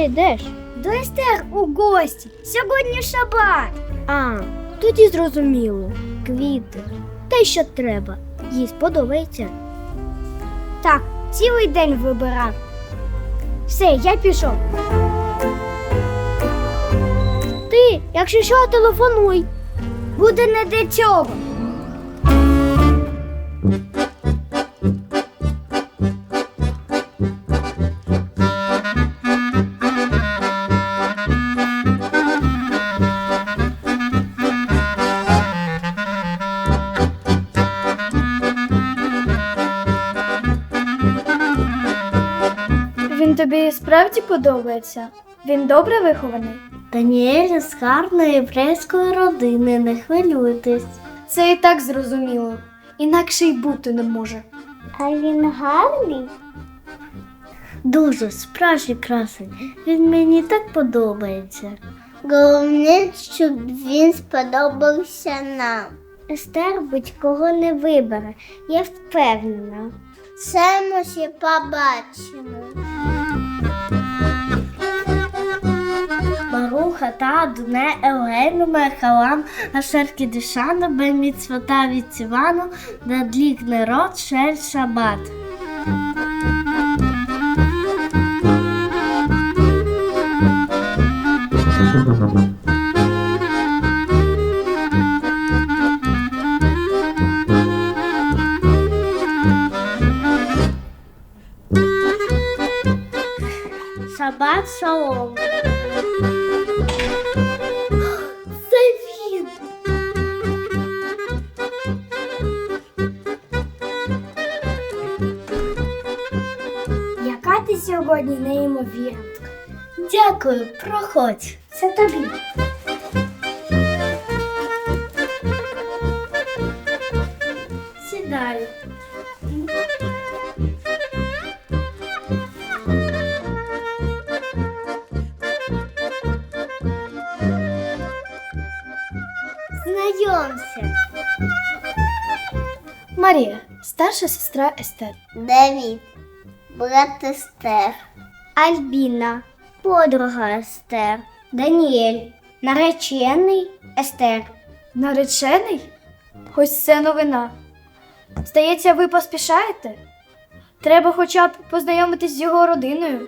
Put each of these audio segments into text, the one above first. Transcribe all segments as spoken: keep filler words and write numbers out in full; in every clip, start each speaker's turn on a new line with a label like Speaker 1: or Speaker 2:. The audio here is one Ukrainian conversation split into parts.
Speaker 1: йдеш?
Speaker 2: До Естер у гості. Сьогодні шабат.
Speaker 1: А, тоді зрозуміло. Квіти. Те, що треба. Їй сподобається.
Speaker 2: Так, цілий день вибирав. Все, я пішов.
Speaker 1: Ти, якщо що, телефонуй.
Speaker 2: Буде не для цього.
Speaker 3: Він тобі справді подобається? Він добре вихований?
Speaker 1: Даніель з гарної єврейської родини, не хвилюйтесь.
Speaker 3: Це і так зрозуміло. Інакше й бути не може.
Speaker 1: А він гарний? Дуже, справжній красень. Він мені так подобається. Головне, щоб він сподобався нам. Естер будь-кого не вибере, я впевнена. Це ми ще побачимо. Баруха та Адоне Елгену Мерхалам Ашер Кідишану Бен Міцвота Віцівану Надлік Нерот Шель Шабат. Шабат шалом. Це він.
Speaker 2: Яка ти сьогодні неймовірна.
Speaker 1: Дякую, проходь.
Speaker 2: Це тобі.
Speaker 1: Сідай. Знайомся.
Speaker 3: Марія, старша сестра Естер.
Speaker 1: Давід, брат Естер.
Speaker 2: Альбіна.
Speaker 1: Подруга Естер.
Speaker 2: Даніель. Наречений Естер.
Speaker 3: Наречений? Ось це новина. Здається, ви поспішаєте? Треба хоча б познайомитись з його родиною.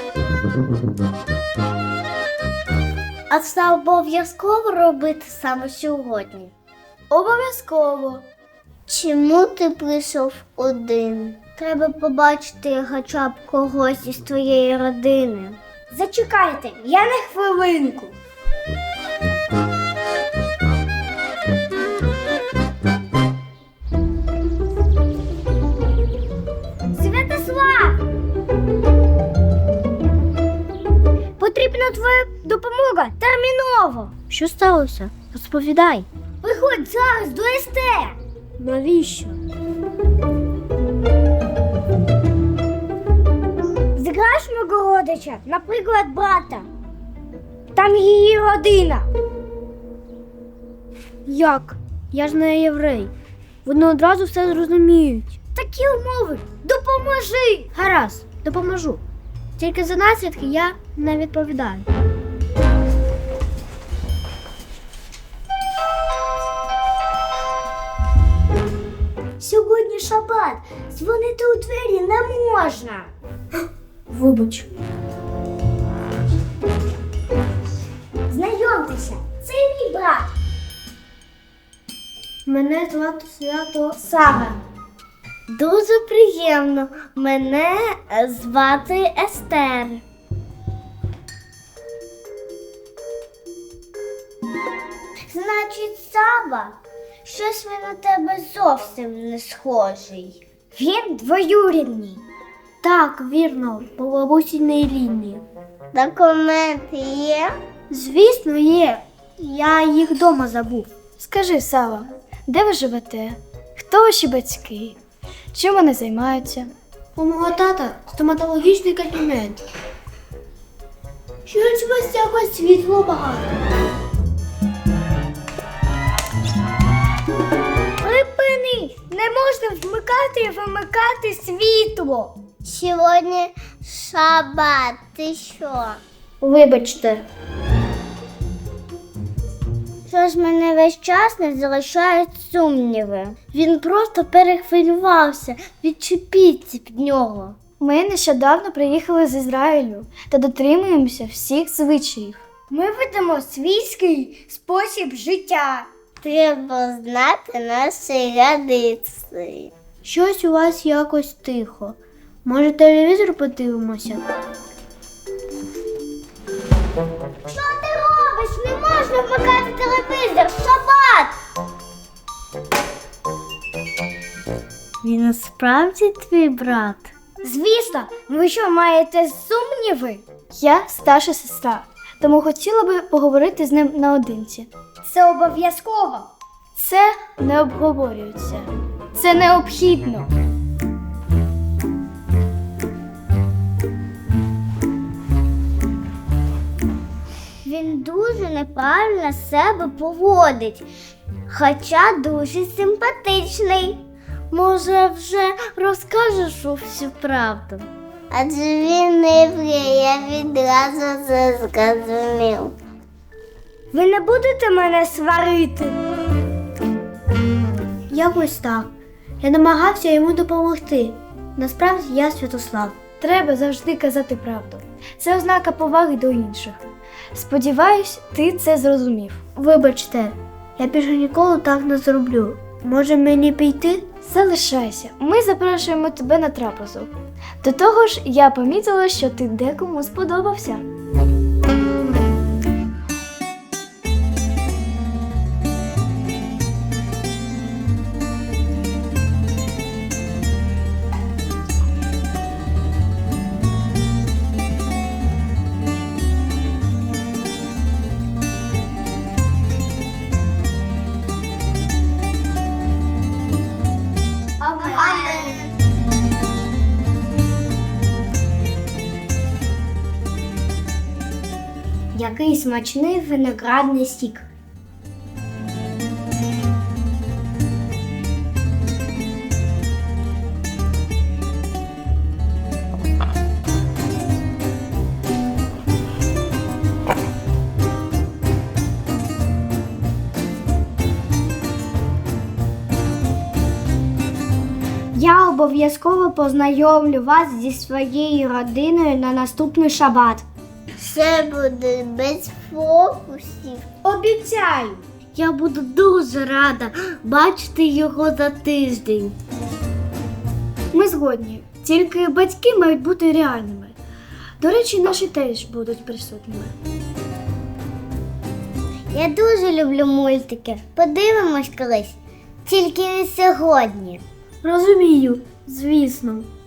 Speaker 1: А це обов'язково робити саме сьогодні?
Speaker 3: Обов'язково.
Speaker 1: Чому ти прийшов один? Треба побачити хоча б когось із твоєї родини.
Speaker 2: Зачекайте, я на хвилинку. Святослав! Потрібна твоя допомога терміново.
Speaker 1: Що сталося? Розповідай.
Speaker 2: Виходь зараз до Естер.
Speaker 1: Навіщо?
Speaker 2: Зіграєш мого родича, наприклад, брата. Там її родина.
Speaker 1: Як? Я ж не єврей. Вони одразу все зрозуміють.
Speaker 2: Такі умови. Допоможи.
Speaker 1: Гаразд, допоможу. Тільки за наслідки я не відповідаю.
Speaker 2: Сьогодні шабат. Дзвонити у двері не можна.
Speaker 1: Вибач.
Speaker 2: Знайомтеся, це мій брат.
Speaker 1: Мене звати Свято Сара. Дуже приємно. Мене звати Естер. Значить, Сава, щось він на тебе зовсім не схожий.
Speaker 2: Він двоюрідний.
Speaker 1: Так, вірно, по бабусіній лінії. Документи є? Звісно, є. Я їх вдома забув.
Speaker 3: Скажи, Сава, де ви живете? Хто ваші батьки? Чим вони займаються?
Speaker 1: У мого тата стоматологічний кабінет. Щось у вас якось світло багато.
Speaker 2: Припини! Не можна вмикати і вимикати світло.
Speaker 1: Сьогодні шабат, ти що?
Speaker 2: Вибачте. Щось мене весь час не залишають сумніви.
Speaker 1: Він просто перехвилювався. Відчепіться від нього.
Speaker 3: Ми нещодавно приїхали з Ізраїлю та дотримуємося всіх звичаїв.
Speaker 2: Ми ведемо свійський спосіб життя.
Speaker 1: Треба знати наші традиції.
Speaker 3: Щось у вас якось тихо. Може, телевізор подивимося?
Speaker 2: Що ти робиш? Не можна вмикати телевізор, шабат!
Speaker 1: Він насправді твій брат?
Speaker 2: Звісно, ви що, маєте сумніви?
Speaker 3: Я старша сестра, тому хотіла би поговорити з ним наодинці.
Speaker 2: Це обов'язково.
Speaker 3: Це не обговорюється. Це необхідно.
Speaker 2: Він дуже неправильно себе поводить, хоча дуже симпатичний.
Speaker 1: Може, вже розкажеш всю правду?
Speaker 2: Адже він не єврей, я відразу це зрозумів. Ви не будете мене сварити?
Speaker 3: Якось так. Я намагався йому допомогти. Насправді я Святослав. Треба завжди казати правду. Це ознака поваги до інших. Сподіваюсь, ти це зрозумів. Вибачте, я більше ніколи так не зроблю. Може мені піти? Залишайся. Ми запрошуємо тебе на трапезу. До того ж, я помітила, що ти декому сподобався.
Speaker 2: Який смачний виноградний сік. Я обов'язково познайомлю вас зі своєю родиною на наступний шабат.
Speaker 1: Все буде без фокусів.
Speaker 2: Обіцяю.
Speaker 1: Я буду дуже рада бачити його за тиждень.
Speaker 3: Ми згодні. Тільки батьки мають бути реальними. До речі, наші теж будуть присутніми.
Speaker 2: Я дуже люблю мультики. Подивимось колись. Тільки не сьогодні.
Speaker 3: Розумію, звісно.